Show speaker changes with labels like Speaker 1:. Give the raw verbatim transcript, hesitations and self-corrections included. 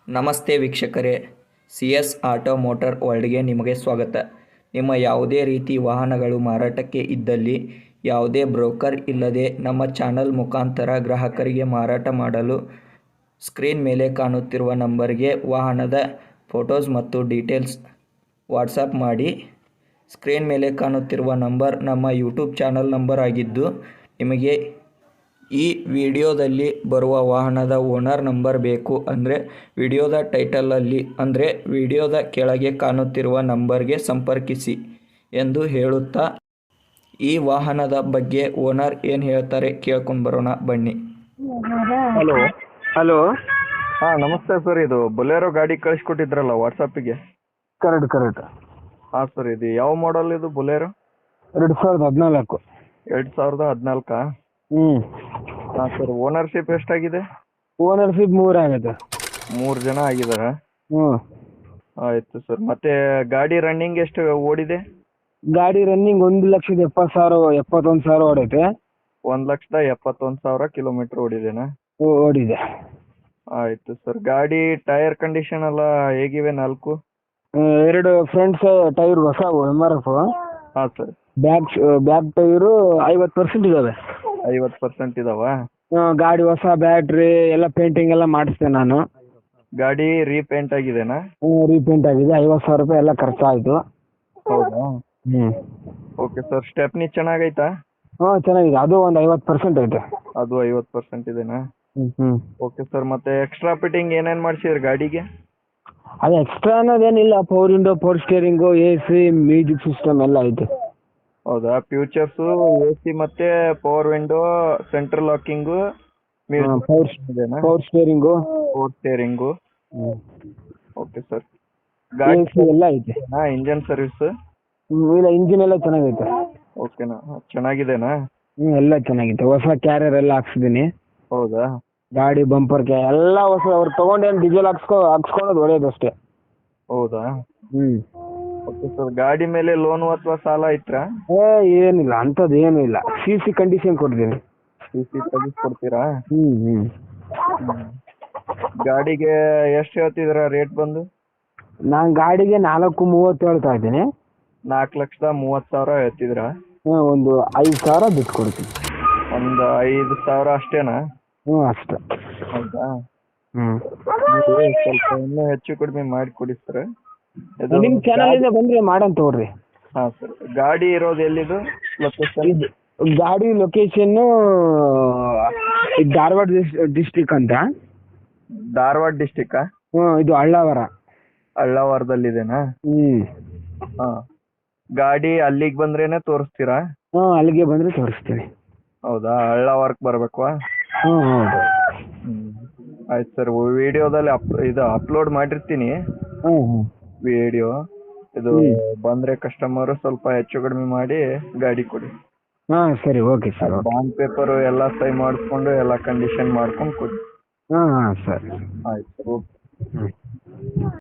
Speaker 1: ನಮಸ್ತೆ ವೀಕ್ಷಕರೇ, C S auto motor ವರ್ಲ್ಡ್ಗೆ ನಿಮಗೆ ಸ್ವಾಗತ. ನಿಮ್ಮ ಯಾವುದೇ ರೀತಿ ವಾಹನಗಳು ಮಾರಾಟಕ್ಕೆ ಇದ್ದಲ್ಲಿ ಯಾವುದೇ ಬ್ರೋಕರ್ ಇಲ್ಲದೆ ನಮ್ಮ ಚಾನಲ್ ಮುಖಾಂತರ ಗ್ರಾಹಕರಿಗೆ ಮಾರಾಟ ಮಾಡಲು ಸ್ಕ್ರೀನ್ ಮೇಲೆ ಕಾಣುತ್ತಿರುವ ನಂಬರ್ಗೆ ವಾಹನದ ಫೋಟೋಸ್ ಮತ್ತು ಡೀಟೇಲ್ಸ್ ವಾಟ್ಸಪ್ ಮಾಡಿ. ಸ್ಕ್ರೀನ್ ಮೇಲೆ ಕಾಣುತ್ತಿರುವ ನಂಬರ್ ನಮ್ಮ ಯೂಟ್ಯೂಬ್ ಚಾನಲ್ ನಂಬರ್ ಆಗಿದ್ದು, ನಿಮಗೆ ಈ ವಿಡಿಯೋದಲ್ಲಿ ಬರುವ ವಾಹನದ ಓನರ್ ನಂಬರ್ ಬೇಕು ಅಂದರೆ ವಿಡಿಯೋದ ಟೈಟಲಲ್ಲಿ ಅಂದರೆ ವಿಡಿಯೋದ ಕೆಳಗೆ ಕಾಣುತ್ತಿರುವ ನಂಬರ್ಗೆ ಸಂಪರ್ಕಿಸಿ ಎಂದು ಹೇಳುತ್ತಾ, ಈ ವಾಹನದ ಬಗ್ಗೆ ಓನರ್ ಏನು ಹೇಳ್ತಾರೆ ಕೇಳ್ಕೊಂಡು ಬರೋಣ ಬನ್ನಿ.
Speaker 2: ಹಲೋ
Speaker 3: ಹಲೋ
Speaker 2: ಹಾಂ ನಮಸ್ತೆ ಸರ್. ಇದು ಬೊಲೆರೋ ಗಾಡಿ ಕಳಿಸ್ಕೊಟ್ಟಿದ್ರಲ್ಲ ವಾಟ್ಸಪ್ಪಿಗೆ.
Speaker 3: ಕರೆಕ್ಟ್ ಕರೆಕ್ಟ್
Speaker 2: ಹಾಂ ಸರ್, ಇದು ಯಾವ ಮಾಡಲ್ ಇದು ಬೊಲೆರೋ?
Speaker 3: ಎರಡು ಸಾವಿರದ ಹದಿನಾಲ್ಕು.
Speaker 2: ಎರಡು ಸಾವಿರದ ಹದಿನಾಲ್ಕಾ?
Speaker 3: ಹ್ಞೂ
Speaker 2: ಹಾಂ ಸರ್. ಓನರ್ಶಿಪ್ ಎಷ್ಟಾಗಿದೆ?
Speaker 3: ಓನರ್ಶಿಪ್ ಮೂರು ಆಗೈತೆ.
Speaker 2: ಮೂರು ಜನ ಆಗಿದಾರಾ?
Speaker 3: ಹ್ಞೂ
Speaker 2: ಆಯಿತು ಸರ್. ಮತ್ತೆ ಗಾಡಿ ರನ್ನಿಂಗ್ ಎಷ್ಟು ಓಡಿದೆ?
Speaker 3: ಗಾಡಿ ರನ್ನಿಂಗ್ ಒಂದು ಲಕ್ಷದ ಎಪ್ಪತ್ತು ಸಾವಿರ ಎಪ್ಪತ್ತೊಂದು ಸಾವಿರ ಓಡೈತೆ.
Speaker 2: ಒಂದು ಲಕ್ಷದ ಎಪ್ಪತ್ತೊಂದು ಸಾವಿರ ಕಿಲೋಮೀಟ್ರ್ ಓಡಿದೆನಾ?
Speaker 3: ಓ ಓಡಿದೆ.
Speaker 2: ಆಯಿತು ಸರ್. ಗಾಡಿ ಟೈರ್ ಕಂಡೀಷನ್ ಎಲ್ಲ ಹೇಗಿವೆ ನಾಲ್ಕು?
Speaker 3: ಆ, ಎರಡು ಫ್ರಂಟ್ ಟೈರ್ ಹೊಸ ಎಮ್ ಆರ್ ಎಫ್.
Speaker 2: ಹಾಂ ಸರ್.
Speaker 3: ಬ್ಯಾಕ್ ಬ್ಯಾಕ್ ಟೈರು ಐವತ್ತು ಪರ್ಸೆಂಟ್ ಇದ್ದಾವೆ.
Speaker 2: ಐವತ್ತು ಪರ್ಸೆಂಟ್ ಇದಾವಾ?
Speaker 3: ಗಾಡಿ ಹೊಸ ಬ್ಯಾಟ್ರಿ ಎಲ್ಲ ಪೇಂಟಿಂಗ್ ಎಲ್ಲ ಮಾಡಿಸ್ದೆ ನಾನು.
Speaker 2: ಗಾಡಿ ರೀಪೇಂಟ್ ಆಗಿದೆನಾ?
Speaker 3: ರೀಪೇಂಟ್ ಆಗಿದೆ. ಐವತ್ತು ಸಾವಿರ ರೂಪಾಯಿ ಎಲ್ಲ ಖರ್ಚಾಯಿತು.
Speaker 2: ಹೌದಾ?
Speaker 3: ಹ್ಞೂ
Speaker 2: ಓಕೆ ಸರ್. ಸ್ಟೆಪ್ನಿ ಚೆನ್ನಾಗೈತಾ?
Speaker 3: ಹಾಂ ಚೆನ್ನಾಗಿದೆ. ಅದು ಒಂದು ಐವತ್ತು ಪರ್ಸೆಂಟ್ ಐತೆ.
Speaker 2: ಅದು ಐವತ್ತು ಪರ್ಸೆಂಟ್ ಇದೆನಾ?
Speaker 3: ಹ್ಞೂ ಹ್ಞೂ
Speaker 2: ಓಕೆ ಸರ್. ಮತ್ತೆ ಎಕ್ಸ್ಟ್ರಾ ಫಿಟ್ಟಿಂಗ್ ಏನೇನು ಮಾಡಿಸಿದ್ರಿ ಗಾಡಿಗೆ?
Speaker 3: ಅದು ಎಕ್ಸ್ಟ್ರಾ ಅನ್ನೋದೇನಿಲ್ಲ. Power window, power steering, A C, music system ಎಲ್ಲ ಐತೆ.
Speaker 2: ಹೌದಾ? ಫ್ಯೂಚರ್ಸು, ಎ ಸಿ ಮತ್ತೆ power window, central locking,
Speaker 3: power
Speaker 2: ಇದೆನಾ?
Speaker 3: Power steering,
Speaker 2: power steering. Okay sir. ಗಾಡಿ
Speaker 3: ಎ ಸಿ ಎಲ್ಲ ಐತೆ.
Speaker 2: Engine service?
Speaker 3: ಹ್ಮ್, ಇಲ್ಲ ಇಂಜಿನ್ ಎಲ್ಲ ಚೆನ್ನಾಗೈತೆ.
Speaker 2: ಓಕೆನಾ? ಚೆನ್ನಾಗಿದೆನಾ?
Speaker 3: ಹ್ಞೂ ಎಲ್ಲ ಚೆನ್ನಾಗೈತೆ. ಹೊಸ ಕ್ಯಾರಿಯರ್ ಎಲ್ಲ ಹಾಕ್ಸಿದ್ದೀನಿ.
Speaker 2: ಹೌದಾ?
Speaker 3: ಗಾಡಿ ಬಂಪರ್ ಕ್ಯಾ ಎಲ್ಲ ಹೊಸ. ಅವ್ರು ತೊಗೊಂಡೇನು ಡೀಸೆಲ್ ಹಾಕ್ಸ್ಕೊ ಹಾಕ್ಸ್ಕೊಳೋದು ಒಳ್ಳೇದು ಅಷ್ಟೇ.
Speaker 2: ಹೌದಾ?
Speaker 3: ಹ್ಞೂ
Speaker 2: ಓಕೆ ಸರ್. ಗಾಡಿ ಮೇಲೆ ಲೋನು ಅಥವಾ ಸಾಲ ಐತ್ರಾ?
Speaker 3: ಏ ಏನಿಲ್ಲ, ಅಂಥದ್ದು ಏನೂ ಇಲ್ಲ. ಸಿ ಸಿ ಕಂಡೀಷನ್ ಕೊಡ್ತೀನಿ.
Speaker 2: C C ತೆಗಿಸ್ಕೊಡ್ತೀರಾ?
Speaker 3: ಹ್ಞೂ ಹ್ಞೂ
Speaker 2: ಗಾಡಿಗೆ ಎಷ್ಟು ಹೇಳ್ತಿದ್ದೀರಾ ರೇಟ್ ಬಂದು?
Speaker 3: ನಾನು ಗಾಡಿಗೆ ನಾಲ್ಕು ಮೂವತ್ತು ಹೇಳ್ತಾ ಇದ್ದೀನಿ.
Speaker 2: ನಾಲ್ಕು ಲಕ್ಷದ ಮೂವತ್ತು ಸಾವಿರ ಹೇಳ್ತಿದ್ದೀರಾ?
Speaker 3: ಹ್ಞೂ ಒಂದು ಐದು ಸಾವಿರ ಬಿಟ್ಟು ಕೊಡ್ತೀನಿ.
Speaker 2: ಒಂದು ಐದು ಸಾವಿರ ಅಷ್ಟೇನಾ?
Speaker 3: ಹ್ಞೂ ಅಷ್ಟೇ.
Speaker 2: ಹೌದಾ?
Speaker 3: ಹ್ಞೂ
Speaker 2: ನೀವು ಸ್ವಲ್ಪ ಇನ್ನೂ ಹೆಚ್ಚು ಕಡಿಮೆ ಮಾಡಿ ಕೊಡಿ ಸರ್. ಇದು
Speaker 3: ನಿಮ್ಮ ಚಾನಲಿಂದ ಬಂದರೆ ಮಾಡೋಣ ತಗೊಳ್ರಿ.
Speaker 2: ಹಾಂ ಸರ್. ಗಾಡಿ ಇರೋದು ಎಲ್ಲಿದು ಲೊಕೇಶನ್?
Speaker 3: ಇದು ಗಾಡಿ ಲೊಕೇಶನ್ನು ಧಾರವಾಡ ಡಿಸ್ಟಿಕ್ ಅಂತ.
Speaker 2: ಧಾರವಾಡ ಡಿಸ್ಟಿಕ್ಕಾ?
Speaker 3: ಹ್ಞೂ ಇದು ಹಳ್ಳಾವರ.
Speaker 2: ಹಳ್ಳಾವರದಲ್ಲಿದೆನಾ?
Speaker 3: ಹ್ಞೂ
Speaker 2: ಹಾಂ. ಗಾಡಿ ಅಲ್ಲಿಗೆ ಬಂದ್ರೇನೆ ತೋರಿಸ್ತೀರಾ?
Speaker 3: ಹ್ಞೂ ಅಲ್ಲಿಗೆ ಬಂದರೆ ತೋರಿಸ್ತೀನಿ.
Speaker 2: ಹೌದಾ? ಹಳ್ಳಾವರಕ್ಕೆ ಬರಬೇಕಾ?
Speaker 3: ಹ್ಞೂ ಹೌದು.
Speaker 2: ಹ್ಞೂ ಆಯ್ತು ಸರ್. ವಿಡಿಯೋದಲ್ಲಿ ಅಪ್ ಇದು ಅಪ್ಲೋಡ್ ಮಾಡಿರ್ತೀನಿ
Speaker 3: ಹ್ಞೂ ಹ್ಞೂ
Speaker 2: ವಿಡಿಯೋ. ಇದು
Speaker 3: ಹ್ಮ್.
Speaker 2: ಬಂದರೆ ಕಸ್ಟಮರು ಸ್ವಲ್ಪ ಹೆಚ್ಚು ಕಡಿಮೆ ಮಾಡಿ ಗಾಡಿ ಕೊಡಿ.
Speaker 3: ಹಾಂ ಸರಿ okay sir. Okay.
Speaker 2: Bond paper ಎಲ್ಲ ಸೈ ಮಾಡಿಸ್ಕೊಂಡು ಎಲ್ಲ ಕಂಡೀಷನ್ ಮಾಡ್ಕೊಂಡು ಕೊಡಿ.
Speaker 3: ಹಾಂ ಹಾಂ ಸರಿ.
Speaker 2: ಆಯ್ತು ಸರ್. ಓಕೆ.
Speaker 3: ಹ್ಞೂ